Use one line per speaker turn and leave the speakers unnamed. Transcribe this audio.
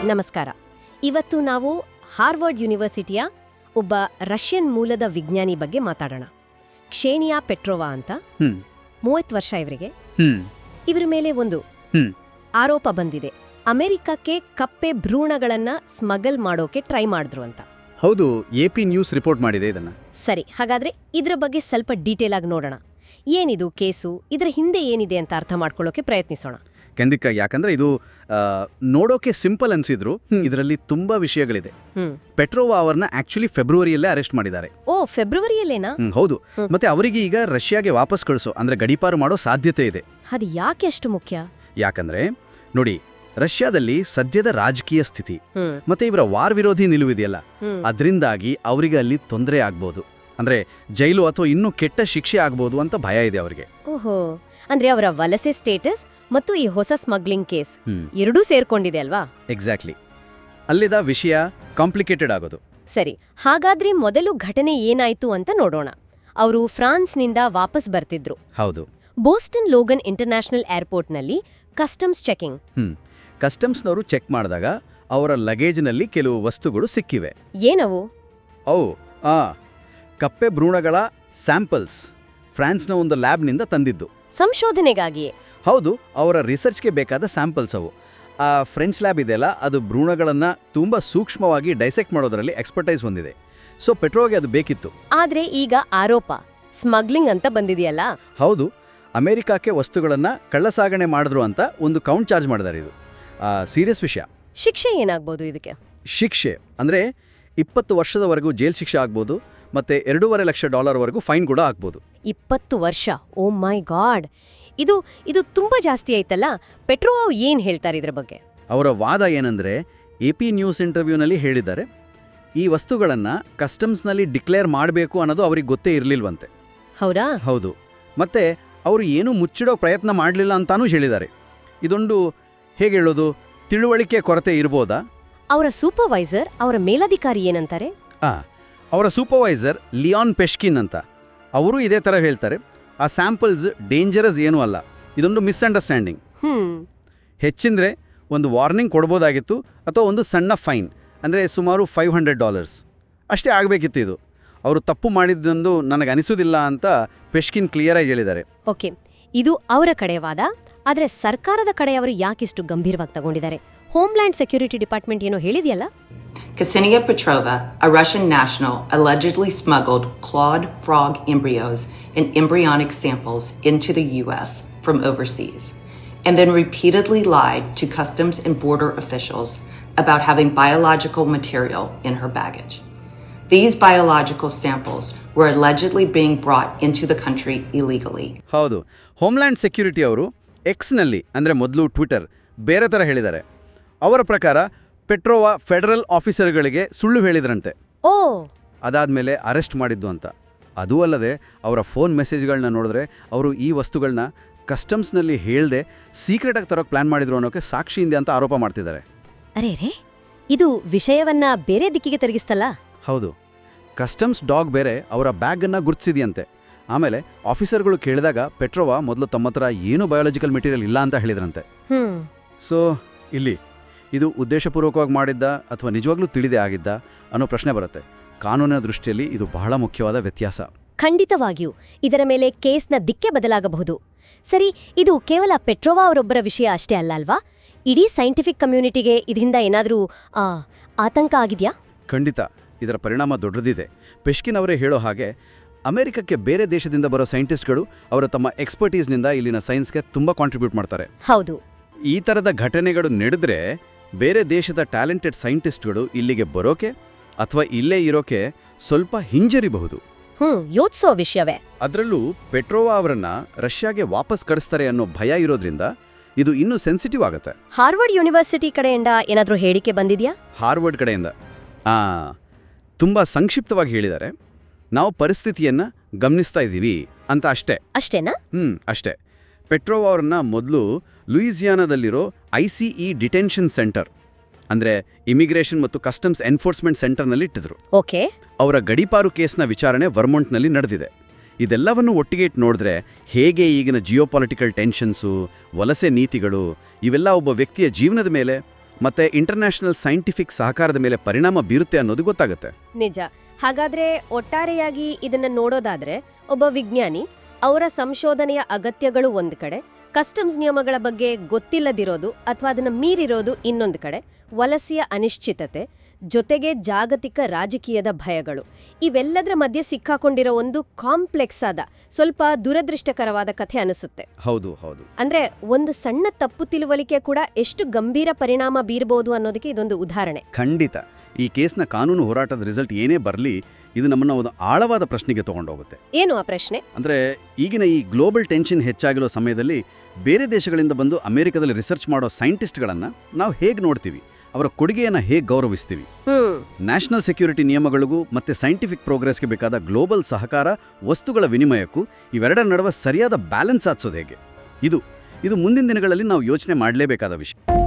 ನಮಸ್ಕಾರ. ಇವತ್ತು ನಾವು ಹಾರ್ವರ್ಡ್ ಯೂನಿವರ್ಸಿಟಿಯ ಒಬ್ಬ ರಷ್ಯನ್ ಮೂಲದ ವಿಜ್ಞಾನಿ ಬಗ್ಗೆ ಮಾತಾಡೋಣ. ಕ್ಷೇನಿಯಾ ಪೆಟ್ರೋವಾ ಅಂತ. 30 ವರ್ಷ ಇವರಿಗೆ. ಇವರ ಮೇಲೆ ಒಂದು ಆರೋಪ ಬಂದಿದೆ. ಅಮೆರಿಕಕ್ಕೆ ಕಪ್ಪೆ ಭ್ರೂಣಗಳನ್ನ ಸ್ಮಗಲ್ ಮಾಡೋಕೆ ಟ್ರೈ ಮಾಡಿದ್ರು ಅಂತ.
ಹೌದು, AP ನ್ಯೂಸ್ ರಿಪೋರ್ಟ್ ಮಾಡಿದೆ ಇದನ್ನ.
ಸರಿ, ಹಾಗಾದ್ರೆ ಇದ್ರ ಬಗ್ಗೆ ಸ್ವಲ್ಪ ಡೀಟೇಲ್ ಆಗಿ ನೋಡೋಣ. ಏನಿದು ಕೇಸು, ಇದರ ಹಿಂದೆ ಏನಿದೆ ಅಂತ ಅರ್ಥ ಮಾಡ್ಕೊಳ್ಳೋಕೆ ಪ್ರಯತ್ನಿಸೋಣ.
ಖಂಡಿತ, ಯಾಕಂದ್ರೆ ಇದು ನೋಡೋಕೆ ಸಿಂಪಲ್ ಅನ್ಸಿದ್ರು ಇದರಲ್ಲಿ ತುಂಬಾ ವಿಷಯಗಳಿದೆ. ಪೆಟ್ರೋವಾ ಅವರನ್ನ ಆಕ್ಚುಲಿ ಫೆಬ್ರವರಿಯಲ್ಲೇ ಅರೆಸ್ಟ್ ಮಾಡಿದ್ದಾರೆ.
ಓ, ಫೆಬ್ರವರಿಯಲ್ಲೇನಾ?
ಹೌದು. ಮತ್ತೆ ಅವರಿಗೆ ಈಗ ರಷ್ಯಾಗೆ ವಾಪಸ್ ಕಳಿಸೋ ಅಂದ್ರೆ ಗಡೀಪಾರು ಮಾಡೋ ಸಾಧ್ಯತೆ ಇದೆ.
ಅದು ಯಾಕೆ ಅಷ್ಟು ಮುಖ್ಯ?
ಯಾಕಂದ್ರೆ ನೋಡಿ, ರಷ್ಯಾದಲ್ಲಿ ಸದ್ಯದ ರಾಜಕೀಯ ಸ್ಥಿತಿ ಮತ್ತೆ ಇವರ ವಾರ್ ವಿರೋಧಿ ನಿಲುವಿದೆಯಲ್ಲ, ಅದರಿಂದಾಗಿ ಅವರಿಗೆ ಅಲ್ಲಿ ತೊಂದರೆ ಆಗ್ಬೋದು. ಅಂದ್ರೆ ಜೈಲು ಅಥವಾ ಇನ್ನೂ ಕೆಟ್ಟ ಶಿಕ್ಷೆ ಆಗ್ಬೋದು ಅಂತ ಭಯ ಇದೆ ಅವರಿಗೆ.
ಓಹೋ, ಅಂದ್ರೆ ಅವರ ವಲಸೆ ಸ್ಟೇಟಸ್ ಮತ್ತು ಈ ಹೊಸ ಸ್ಮಗ್ಲಿಂಗ್ ಕೇಸ್ ಎರಡೂ ಸೇರ್ಕೊಂಡಿದೆ ಅಲ್ವಾ?
ಎಕ್ಸಾಕ್ಟ್ಲಿ. ಅಲ್ಲಿದ ವಿಷಯ ಕಾಂಪ್ಲಿಕೇಟೆಡ್ ಆಗೋದು.
ಸರಿ, ಹಾಗಾದ್ರೆ ಮೊದಲು ಘಟನೆ ಏನಾಯ್ತು ಅಂತ ನೋಡೋಣ. ಅವರು ಫ್ರಾನ್ಸ್ನಿಂದ ವಾಪಸ್ ಬರ್ತಿದ್ರು.
ಹೌದು.
ಬೋಸ್ಟನ್ ಲೋಗನ್ ಇಂಟರ್ನ್ಯಾಷನಲ್ ಏರ್ಪೋರ್ಟ್ನಲ್ಲಿ ಕಸ್ಟಮ್ಸ್ ಚೆಕಿಂಗ್.
ಕಸ್ಟಮ್ಸ್ನವರು ಚೆಕ್ ಮಾಡಿದಾಗ ಅವರ ಲಗೇಜ್ನಲ್ಲಿ ಕೆಲವು ವಸ್ತುಗಳು ಸಿಕ್ಕಿವೆ.
ಏನವು?
ಕಪ್ಪೆ ಭ್ರೂಣಗಳ ಸ್ಯಾಂಪಲ್ಸ್ ಫ್ರಾನ್ಸ್ನ ಒಂದು ಲ್ಯಾಬ್ನಿಂದ ತಂದಿದ್ದು.
ಸಂಶೋಧನೆಗಾಗಿಯೇ?
ಹೌದು, ಅವರ ರಿಸರ್ಚ್ಗೆ ಬೇಕಾದ ಸ್ಯಾಂಪಲ್ಸ್ ಅವು. ಆ ಫ್ರೆಂಚ್ ಲ್ಯಾಬ್ ಇದೆಯಲ್ಲ, ಅದು ಭ್ರೂಣಗಳನ್ನು ತುಂಬ ಸೂಕ್ಷ್ಮವಾಗಿ ಡೈಸೆಕ್ಟ್ ಮಾಡೋದರಲ್ಲಿ ಎಕ್ಸ್ಪರ್ಟೈಸ್ ಹೊಂದಿದೆ. ಸೊ ಪೆಟ್ರೋಗೆ ಅದು ಬೇಕಿತ್ತು.
ಆದ್ರೆ ಈಗ ಆರೋಪ ಸ್ಮಗ್ಲಿಂಗ್ ಅಂತ ಬಂದಿದೆಯಲ್ಲ?
ಹೌದು, ಅಮೆರಿಕಕ್ಕೆ ವಸ್ತುಗಳನ್ನು ಕಳ್ಳಸಾಗಣೆ ಮಾಡಿದ್ರು ಅಂತ ಒಂದು ಕೌಂಟ್ ಚಾರ್ಜ್ ಮಾಡಿದ್ದಾರೆ. ಇದು ಸೀರಿಯಸ್ ವಿಷಯ.
ಶಿಕ್ಷೆ ಏನಾಗ್ಬೋದು ಇದಕ್ಕೆ?
ಶಿಕ್ಷೆ ಅಂದರೆ 20 ವರ್ಷದವರೆಗೂ ಜೈಲ್ ಶಿಕ್ಷೆ ಆಗ್ಬೋದು, ಮತ್ತೆ $2.5 ಲಕ್ಷ ಫೈನ್ ಕೂಡ ಆಗ್ಬೋದು.
20 ವರ್ಷ? ಓ ಮೈ ಗಾಡ್, ಇದು ತುಂಬಾ ಜಾಸ್ತಿ ಆಯ್ತಲ್ಲ. ಪೆಟ್ರೋವಾ ಏನ್ ಹೇಳ್ತಾರೆ ಇದ್ರ ಬಗ್ಗೆ?
ಅವರ ವಾದ ಏನಂದ್ರೆ, AP ನ್ಯೂಸ್ ಇಂಟರ್ವ್ಯೂನಲ್ಲಿ ಹೇಳಿದ್ದಾರೆ, ಈ ವಸ್ತುಗಳನ್ನು ಕಸ್ಟಮ್ಸ್ನಲ್ಲಿ ಡಿಕ್ಲೇರ್ ಮಾಡಬೇಕು ಅನ್ನೋದು ಅವ್ರಿಗೆ ಗೊತ್ತೇ ಇರಲಿಲ್ವಂತೆ.
ಹೌದಾ?
ಹೌದು. ಮತ್ತೆ ಅವರು ಏನೂ ಮುಚ್ಚಿಡೋ ಪ್ರಯತ್ನ ಮಾಡಲಿಲ್ಲ ಅಂತಾನೂ ಹೇಳಿದ್ದಾರೆ. ಇದೊಂದು ಹೇಗೆ ಹೇಳೋದು, ತಿಳುವಳಿಕೆ ಕೊರತೆ ಇರ್ಬೋದಾ?
ಅವರ ಸೂಪರ್ವೈಸರ್, ಅವರ ಮೇಲಧಿಕಾರಿ ಏನಂತಾರೆ?
ಅವರ ಸೂಪರ್ವೈಸರ್ ಲಿಯಾನ್ ಪೆಶ್ಕಿನ್ ಅಂತ, ಅವರು ಇದೇ ಥರ ಹೇಳ್ತಾರೆ. ಆ ಸ್ಯಾಂಪಲ್ಸ್ ಡೇಂಜರಸ್ ಏನೂ ಅಲ್ಲ, ಇದೊಂದು ಮಿಸ್ಅಂಡರ್ಸ್ಟ್ಯಾಂಡಿಂಗ್. ಹೆಚ್ಚಿಂದ್ರೆ ಒಂದು ವಾರ್ನಿಂಗ್ ಕೊಡ್ಬೋದಾಗಿತ್ತು, ಅಥವಾ ಒಂದು ಸಣ್ಣ ಫೈನ್, ಅಂದರೆ ಸುಮಾರು $500 ಅಷ್ಟೇ ಆಗಬೇಕಿತ್ತು. ಇದು ಅವರು ತಪ್ಪು ಮಾಡಿದ್ದೊಂದು ನನಗನಿಸೋದಿಲ್ಲ ಅಂತ ಪೆಶ್ಕಿನ್ ಕ್ಲಿಯರಾಗಿ ಹೇಳಿದ್ದಾರೆ.
ಓಕೆ, ಇದು ಅವರ ಕಡೆ ವಾದ. ಆದರೆ ಸರ್ಕಾರದ ಕಡೆಯವರು ಯಾಕಿಷ್ಟು ಗಂಭೀರವಾಗಿ ತಗೊಂಡಿದ್ದಾರೆ? ಹೋಮ್ಲ್ಯಾಂಡ್ ಸೆಕ್ಯೂರಿಟಿ ಡಿಪಾರ್ಟ್ಮೆಂಟ್ ಏನೋ ಹೇಳಿದೆಯಲ್ಲ?
Ksenia Petrova, a Russian national, allegedly smuggled clawed frog embryos and embryonic samples into the U.S. from overseas, and then repeatedly lied to customs and border officials about having biological material in her baggage. These biological samples were allegedly being brought into the country illegally.
ಹೌದು, homeland security ಅವರು ಎಕ್ಸ್ನಲ್ಲಿ, ಅಂದರೆ ಮೊದಲು Twitter, ಬೇರೆ ಥರ ಹೇಳಿದ್ದಾರೆ. ಅವರ ಪ್ರಕಾರ ಪೆಟ್ರೋವಾ ಫೆಡರಲ್ ಆಫೀಸರ್ಗಳಿಗೆ ಸುಳ್ಳು ಹೇಳಿದ್ರಂತೆ. ಅದಾದ್ಮೇಲೆ ಅರೆಸ್ಟ್ ಮಾಡಿದ್ದು ಅಂತ. ಅದೂ ಅಲ್ಲದೆ ಅವರ ಫೋನ್ ಮೆಸೇಜ್ಗಳನ್ನ ನೋಡಿದ್ರೆ ಅವರು ಈ ವಸ್ತುಗಳನ್ನ ಕಸ್ಟಮ್ಸ್ನಲ್ಲಿ ಹೇಳ್ದೆ ಸೀಕ್ರೆಟಾಗಿ ತರೋಕೆ ಪ್ಲಾನ್ ಮಾಡಿದ್ರು ಅನ್ನೋಕೆ ಸಾಕ್ಷಿಯಿಂದ ಅಂತ ಆರೋಪ ಮಾಡ್ತಿದ್ದಾರೆ.
ಅರೇ, ಇದು ವಿಷಯವನ್ನ ಬೇರೆ ದಿಕ್ಕಿಗೆ ತಿರುಗಿಸ್ತಲ್ಲ?
ಹೌದು, ಕಸ್ಟಮ್ಸ್ ಡಾಗ್ ಬೇರೆ ಅವರ ಬ್ಯಾಗನ್ನು ಗುರ್ತಿಸಿದೆಯಂತೆ. ಆಮೇಲೆ ಆಫೀಸರ್ಗಳು ಕೇಳಿದಾಗ ಪೆಟ್ರೋವಾ ಮೊದಲು ತಮ್ಮ ಹತ್ರ ಏನೂ ಬಯೋಲಾಜಿಕಲ್ ಮೆಟೀರಿಯಲ್ ಇಲ್ಲ ಅಂತ ಹೇಳಿದ್ರಂತೆ. ಸೊ ಇಲ್ಲಿ ಇದು ಉದ್ದೇಶಪೂರ್ವಕವಾಗಿ ಮಾಡಿದ್ದ ಅಥವಾ ನಿಜವಾಗ್ಲೂ ತಿಳಿದೇ ಆಗಿದ್ದ ಅನ್ನೋ ಪ್ರಶ್ನೆ ಬರುತ್ತೆ. ಕಾನೂನಿನ ದೃಷ್ಟಿಯಲ್ಲಿ ಇದು ಬಹಳ ಮುಖ್ಯವಾದ ವ್ಯತ್ಯಾಸ.
ಖಂಡಿತವಾಗಿಯೂ ಇದರ ಮೇಲೆ ಕೇಸ್ನ ದಿಕ್ಕೆ ಬದಲಾಗಬಹುದು. ಸರಿ, ಇದು ಕೇವಲ ಪೆಟ್ರೋವಾ ಅವರೊಬ್ಬರ ವಿಷಯ ಅಷ್ಟೇ ಅಲ್ಲ ಅಲ್ವಾ? ಇಡೀ ಸೈಂಟಿಫಿಕ್ ಕಮ್ಯುನಿಟಿಗೆ ಇದರಿಂದ ಏನಾದರೂ ಆತಂಕ ಆಗಿದೆಯಾ?
ಖಂಡಿತ, ಇದರ ಪರಿಣಾಮ ದೊಡ್ಡದಿದೆ. ಪೆಶ್ಕಿನ್ ಅವರೇ ಹೇಳೋ ಹಾಗೆ ಅಮೆರಿಕಕ್ಕೆ ಬೇರೆ ದೇಶದಿಂದ ಬರೋ ಸೈಂಟಿಸ್ಟ್ಗಳು ಅವರ ತಮ್ಮ ಎಕ್ಸ್ಪರ್ಟೀಸ್ನಿಂದ ಇಲ್ಲಿನ ಸೈನ್ಸ್ಗೆ ತುಂಬ ಕಾಂಟ್ರಿಬ್ಯೂಟ್ ಮಾಡ್ತಾರೆ.
ಹೌದು.
ಈ ಥರದ ಘಟನೆಗಳು ನಡೆದ್ರೆ ಬೇರೆ ದೇಶದ ಟ್ಯಾಲೆಂಟೆಡ್ ಸೈಂಟಿಸ್ಟ್ಗಳು ಇಲ್ಲಿಗೆ ಬರೋಕೆ ಅಥವಾ ಇಲ್ಲೇ ಇರೋಕೆ ಸ್ವಲ್ಪ ಹಿಂಜರಿಬಹುದು.
ಯೋಚಿಸೋ ವಿಷಯವೇ.
ಅದರಲ್ಲೂ ಪೆಟ್ರೋವಾ ಅವರನ್ನ ರಷ್ಯಾಗೆ ವಾಪಸ್ ಕಳಿಸ್ತಾರೆ ಅನ್ನೋ ಭಯ ಇರೋದ್ರಿಂದ ಇದು ಇನ್ನೂ ಸೆನ್ಸಿಟಿವ್ ಆಗುತ್ತೆ.
ಹಾರ್ವರ್ಡ್ ಯೂನಿವರ್ಸಿಟಿ ಕಡೆಯಿಂದ ಏನಾದರೂ ಹೇಳಿಕೆ ಬಂದಿದೆಯಾ?
ಹಾರ್ವರ್ಡ್ ಕಡೆಯಿಂದ ತುಂಬ ಸಂಕ್ಷಿಪ್ತವಾಗಿ ಹೇಳಿದ್ದಾರೆ, ನಾವು ಪರಿಸ್ಥಿತಿಯನ್ನು ಗಮನಿಸ್ತಾ ಇದ್ದೀವಿ ಅಂತ ಅಷ್ಟೇ.
ಅಷ್ಟೇನಾ?
ಅಷ್ಟೇ. ಪೆಟ್ರೋವಾ ಅವರನ್ನ ಮೊದಲು ಲೂಯಿಸಿಯಾನಾದಲ್ಲಿರೋ ICE ಡಿಟೆನ್ಷನ್ ಸೆಂಟರ್, ಅಂದರೆ ಇಮಿಗ್ರೇಷನ್ ಮತ್ತು ಕಸ್ಟಮ್ಸ್ ಎನ್ಫೋರ್ಸ್ಮೆಂಟ್ ಸೆಂಟರ್ನಲ್ಲಿ ಇಟ್ಟಿದ್ರು.
ಓಕೆ.
ಅವರ ಗಡೀಪಾರು ಕೇಸ್ನ ವಿಚಾರಣೆ ವರ್ಮೊಂಟ್ನಲ್ಲಿ ನಡೆದಿದೆ. ಇದೆಲ್ಲವನ್ನು ಒಟ್ಟಿಗೆ ಇಟ್ಟು ನೋಡಿದ್ರೆ ಹೇಗೆ ಈಗಿನ ಜಿಯೋಪಾಲಿಟಿಕಲ್ ಟೆನ್ಷನ್ಸು, ವಲಸೆ ನೀತಿಗಳು, ಇವೆಲ್ಲ ಒಬ್ಬ ವ್ಯಕ್ತಿಯ ಜೀವನದ ಮೇಲೆ ಮತ್ತೆ ಇಂಟರ್ನ್ಯಾಷನಲ್ ಸೈಂಟಿಫಿಕ್ ಸಹಕಾರದ ಮೇಲೆ ಪರಿಣಾಮ ಬೀರುತ್ತೆ ಅನ್ನೋದು ಗೊತ್ತಾಗುತ್ತೆ.
ನಿಜ. ಹಾಗಾದ್ರೆ ಒಟ್ಟಾರೆಯಾಗಿ ಇದನ್ನ ನೋಡೋದಾದ್ರೆ ಒಬ್ಬ ವಿಜ್ಞಾನಿ ಅವರ ಸಂಶೋಧನೆಯ ಅಗತ್ಯಗಳು ಒಂದು ಕಡೆ, ಕಸ್ಟಮ್ಸ್ ನಿಯಮಗಳ ಬಗ್ಗೆ ಗೊತ್ತಿಲ್ಲದಿರೋದು ಅಥವಾ ಅದನ್ನ ಮೀರಿರೋದು ಇನ್ನೊಂದು ಕಡೆ, ವಲಸೆಯ ಅನಿಶ್ಚಿತತೆ ಜೊತೆಗೆ ಜಾಗತಿಕ ರಾಜಕೀಯದ ಭಯಗಳು, ಇವೆಲ್ಲದರ ಮಧ್ಯೆ ಸಿಕ್ಕಾಕೊಂಡಿರೋ ಒಂದು ಕಾಂಪ್ಲೆಕ್ಸ್ ಆದ ಸ್ವಲ್ಪ ದುರದೃಷ್ಟಕರವಾದ ಕಥೆ ಅನಿಸುತ್ತೆ.
ಹೌದು ಹೌದು.
ಅಂದ್ರೆ ಒಂದು ಸಣ್ಣ ತಪ್ಪು ತಿಳುವಳಿಕೆ ಕೂಡ ಎಷ್ಟು ಗಂಭೀರ ಪರಿಣಾಮ ಬೀರಬಹುದು ಅನ್ನೋದಕ್ಕೆ ಇದೊಂದು ಉದಾಹರಣೆ.
ಖಂಡಿತ. ಈ ಕೇಸ್ನ ಕಾನೂನು ಹೋರಾಟದ ರಿಸಲ್ಟ್ ಏನೇ ಬರಲಿ, ಇದು ನಮ್ಮನ್ನ ಒಂದು ಆಳವಾದ ಪ್ರಶ್ನೆಗೆ ತಗೊಂಡೋಗುತ್ತೆ.
ಏನು ಆ ಪ್ರಶ್ನೆ?
ಅಂದ್ರೆ ಈಗಿನ ಈ ಗ್ಲೋಬಲ್ ಟೆನ್ಷನ್ ಹೆಚ್ಚಾಗಿರೋ ಸಮಯದಲ್ಲಿ ಬೇರೆ ದೇಶಗಳಿಂದ ಬಂದು ಅಮೆರಿಕದಲ್ಲಿ ರಿಸರ್ಚ್ ಮಾಡೋ ಸೈಂಟಿಸ್ಟ್ಗಳನ್ನ ನಾವು ಹೇಗೆ ನೋಡ್ತೀವಿ, ಅವರ ಕೊಡುಗೆಯನ್ನು ಹೇಗೆ ಗೌರವಿಸ್ತೀವಿ? ನ್ಯಾಷನಲ್ ಸೆಕ್ಯೂರಿಟಿ ನಿಯಮಗಳಿಗೂ ಮತ್ತೆ ಸೈಂಟಿಫಿಕ್ ಪ್ರೋಗ್ರೆಸ್ಗೆ ಬೇಕಾದ ಗ್ಲೋಬಲ್ ಸಹಕಾರ, ವಸ್ತುಗಳ ವಿನಿಮಯಕ್ಕೂ ಇವೆರಡರ ನಡುವೆ ಸರಿಯಾದ ಬ್ಯಾಲೆನ್ಸ್ ಸಾಧಿಸೋದು ಹೇಗೆ? ಇದು ಮುಂದಿನ ದಿನಗಳಲ್ಲಿ ನಾವು ಯೋಚನೆ ಮಾಡಲೇಬೇಕಾದ ವಿಷಯ.